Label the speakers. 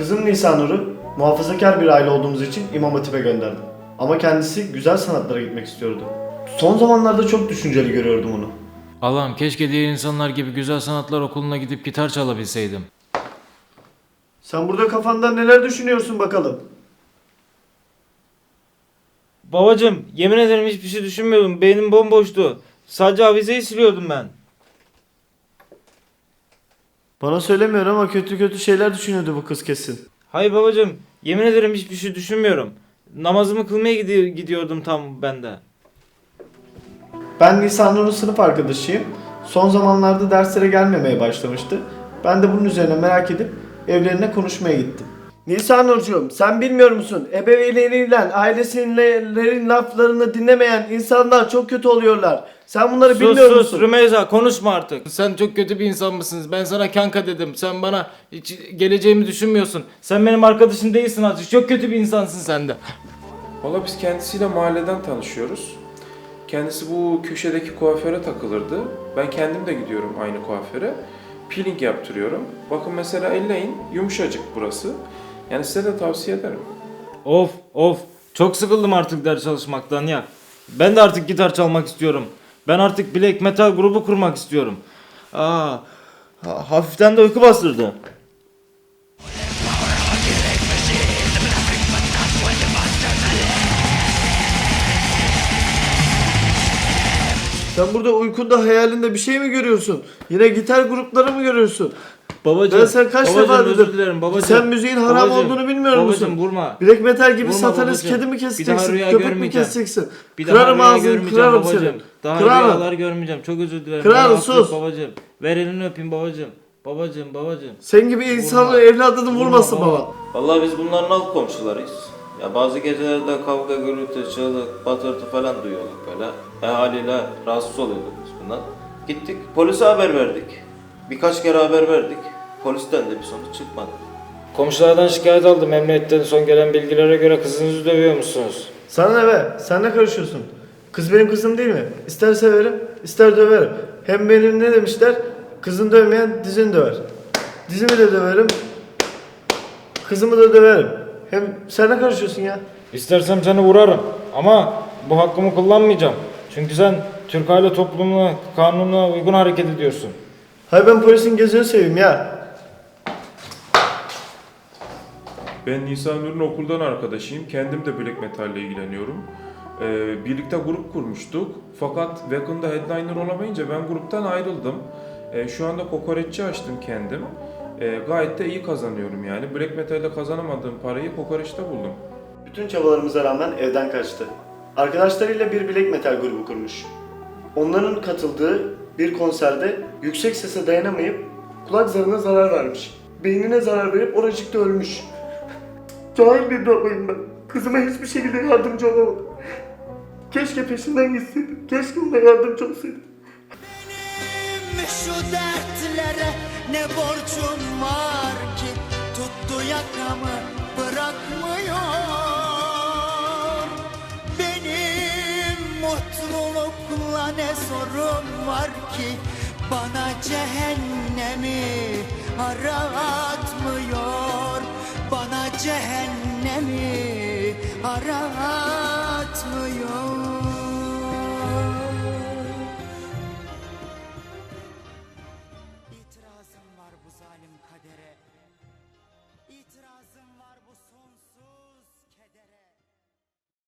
Speaker 1: Kızım Nisanur'u muhafazakar bir aile olduğumuz için İmam Hatip'e gönderdim. Ama kendisi güzel sanatlara gitmek istiyordu. Son zamanlarda çok düşünceli görüyordum onu.
Speaker 2: Allah'ım keşke diğer insanlar gibi güzel sanatlar okuluna gidip gitar çalabilseydim.
Speaker 1: Sen burada kafanda neler düşünüyorsun bakalım?
Speaker 3: Babacım, yemin ederim hiçbir şey düşünmüyordum. Beynim bomboştu. Sadece avizeyi siliyordum ben.
Speaker 1: Bana söylemiyor ama kötü kötü şeyler düşünüyordu bu kız kesin.
Speaker 3: Hayır babacım, yemin ederim hiçbir şey düşünmüyorum. Namazımı kılmaya gidiyordum tam ben de.
Speaker 1: Ben Nisanur'un sınıf arkadaşıyım. Son zamanlarda derslere gelmemeye başlamıştı. Ben de bunun üzerine merak edip evlerine konuşmaya gittim. Nisanurcuğum, sen bilmiyor musun? Ebeveynleriyle, ailesinin laflarını dinlemeyen insanlar çok kötü oluyorlar. Sen bunları bilmiyor
Speaker 3: Sus
Speaker 1: musun?
Speaker 3: Rümeyza, konuşma artık.
Speaker 2: Sen çok kötü bir insan mısınız? Ben sana kanka dedim. Sen bana hiç geleceğimi düşünmüyorsun.
Speaker 3: Sen benim arkadaşım değilsin artık. Çok kötü bir insansın sen de.
Speaker 4: Valla biz kendisiyle mahalleden tanışıyoruz. Kendisi bu köşedeki kuaföre takılırdı. Ben kendim de gidiyorum aynı kuaföre. Peeling yaptırıyorum. Bakın mesela elleyin, yumuşacık burası. Yani size de tavsiye ederim.
Speaker 3: Of. Çok sıkıldım artık ders çalışmaktan ya. Ben de artık gitar çalmak istiyorum. Ben artık black metal grubu kurmak istiyorum. Hafiften de uyku bastırdı.
Speaker 1: Sen burada uykunda hayalinde bir şey mi görüyorsun? Yine gitar grupları mı görüyorsun?
Speaker 3: Babacım,
Speaker 1: Ben sen kaç
Speaker 3: babacım,
Speaker 1: defa
Speaker 3: özür
Speaker 1: dedim.
Speaker 3: dilerim babacım.
Speaker 1: Sen müziğin haram
Speaker 3: Babacım,
Speaker 1: olduğunu bilmiyor musun?
Speaker 3: Babacım vurma.
Speaker 1: Black metal gibi
Speaker 3: Vurma
Speaker 1: satanist
Speaker 3: babacım.
Speaker 1: kedi mi
Speaker 3: Bir daha
Speaker 1: keseceksin?
Speaker 3: rüya
Speaker 1: Köpek mi
Speaker 3: görmeyeceğim.
Speaker 1: keseceksin?
Speaker 3: Bir daha
Speaker 1: Kırarım
Speaker 3: rüya
Speaker 1: ağzını,
Speaker 3: görmeyeceğim
Speaker 1: kırarım
Speaker 3: babacım.
Speaker 1: seni.
Speaker 3: Daha
Speaker 1: Kırarım.
Speaker 3: rüyalar görmeyeceğim. Çok özür dilerim.
Speaker 1: Kırarım,
Speaker 3: Beni affet
Speaker 1: sus.
Speaker 3: babacım. Ver elini öpeyim babacım. Babacım.
Speaker 1: Sen gibi insanın evladını vurmasın baba.
Speaker 3: Vallahi biz bunların alt komşularıyız. Ya bazı gecelerde kavga, gürültü, çığlık, patırtı falan duyuyorduk böyle. Haliyle rahatsız oluyorduk biz bundan. Gittik polise haber verdik. Birkaç kere haber verdik. Polisten de bir sonuç çıkmadı. Komşulardan şikayet aldım. Emniyetten son gelen bilgilere göre kızınızı dövüyor musunuz?
Speaker 1: Sana ne be? Sen ne karışıyorsun? Kız benim kızım değil mi? İster severim, ister döverim. Hem benim ne demişler? Kızını dövmeyen dizini döver. Dizimi de döverim. Kızımı da döverim. Hem sen ne karışıyorsun ya?
Speaker 3: İstersem seni vurarım ama bu hakkımı kullanmayacağım. Çünkü sen Türk aile toplumuna, kanununa uygun hareket ediyorsun.
Speaker 1: Hayır ben polisin gözünü seveyim ya.
Speaker 4: Ben Nisan Nur'un okuldan arkadaşıyım. Kendim de black metal ile ilgileniyorum. Birlikte grup kurmuştuk. Fakat Wagon'da headliner olamayınca ben gruptan ayrıldım. Şu anda kokoreççi açtım kendim. Gayet de iyi kazanıyorum yani. Black metal'de kazanamadığım parayı kokoreçte buldum.
Speaker 1: Bütün çabalarımıza rağmen evden kaçtı. Arkadaşlarıyla bir black metal grubu kurmuş. Onların katıldığı bir konserde yüksek sese dayanamayıp kulak zarına zarar vermiş. Beynine zarar verip oracıkta ölmüş. Cahil bir babayım ben. Kızıma hiçbir şekilde yardımcı olamadım. Keşke peşinden gitseydim. Keşke ona yardımcı olsaydım.
Speaker 5: Benim şu dertlere ne borcum var ki tuttu yakamı bırakmıyor. Benim mutlulukla ne sorun var ki bana cehennemi aratmıyor. Bana cehennemi aratmıyor.